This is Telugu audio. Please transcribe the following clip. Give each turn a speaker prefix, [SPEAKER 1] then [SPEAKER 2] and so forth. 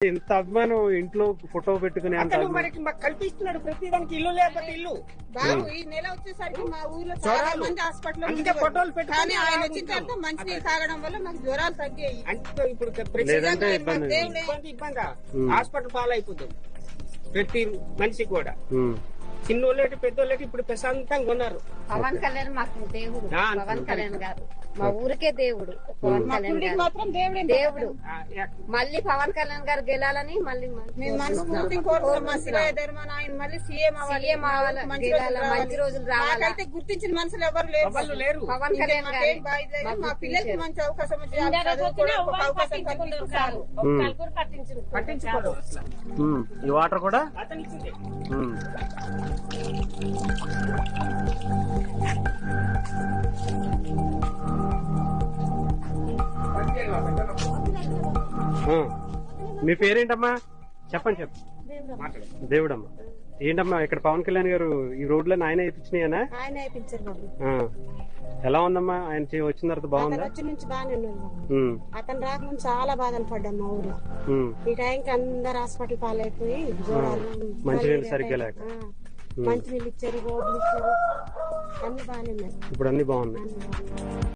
[SPEAKER 1] ఇంత అభిమానం ఇంట్లో ఫోటో పెట్టుకుని
[SPEAKER 2] మనకి మాకు కల్పిస్తున్నాడు ప్రతిదానికి. ఇల్లు లేకపోతే ఇల్లు.
[SPEAKER 3] బాబు ఈ నెల వచ్చేసరికి మా ఊర్లో చాలా మంది హాస్పిటల్
[SPEAKER 2] ఫోటోలు పెట్టుకుని
[SPEAKER 3] ఆయన వచ్చిన తర్వాత మంచి నీళ్ళు తాగడం వల్ల మాకు జ్వరాలు తగ్గాయి.
[SPEAKER 2] అంటే ఇప్పుడు ఇబ్బంది హాస్పిటల్ పాలైపోతుంది ప్రతి మనిషికి కూడా. చిన్నోళ్ళకి పెద్దోళ్ళకి ఇప్పుడు ప్రశాంతంగా ఉన్నారు.
[SPEAKER 4] పవన్ కళ్యాణ్ మాకు దేవుడు. పవన్ కళ్యాణ్ గారు మా ఊరికే దేవుడు. పవన్ కళ్యాణ్ గారు
[SPEAKER 3] మాత్రం
[SPEAKER 4] దేవుడు. మళ్ళీ పవన్ కళ్యాణ్ గారు గెలాలని మళ్ళీ
[SPEAKER 3] మనస్ఫూర్తి కోరుకుంటున్నాం. మా శివయ్య ధర్మాన ఆయన మళ్ళీ సీఎం అవ్వాలి,
[SPEAKER 4] మంచి రోజులు రావాలి.
[SPEAKER 3] అయితే గుర్తించిన మనుషులు ఎవరు లేరు.
[SPEAKER 4] పవన్ కళ్యాణ్ గారు
[SPEAKER 3] మా పిల్లలకి మంచి అవకాశం
[SPEAKER 2] పట్టించుకోరు.
[SPEAKER 1] ఈ వాటర్ కూడా
[SPEAKER 2] అతనిచ్చింది.
[SPEAKER 1] మీ పేరేంటమ్మా? చెప్పండి. దేవుడమ్మా. ఏంటమ్మా ఇక్కడ పవన్ కళ్యాణ్ గారు ఈ రోడ్లో ఆయన వేయించినాయనా?
[SPEAKER 3] ఆయన వేయించారు బాబు.
[SPEAKER 1] ఎలా ఉందమ్మా ఆయన వచ్చిన తర్వాత? బాగుందా?
[SPEAKER 3] వచ్చి నుంచి బాగానే ఉన్నాడు. అతను రాకముందు చాలా బాధలు పడ్డాం మా ఊర్లో. ఈ టైంకి అందరు హాస్పిటల్ పాలైపోయి
[SPEAKER 1] మంచినీళ్ళు సరిగ్గా లేక
[SPEAKER 3] మంచినీళ్ళు ఇచ్చారు, రోడ్లు ఇచ్చారు, అన్ని బాగానే ఉన్నాయి.
[SPEAKER 1] ఇప్పుడు అన్ని బాగున్నాయి.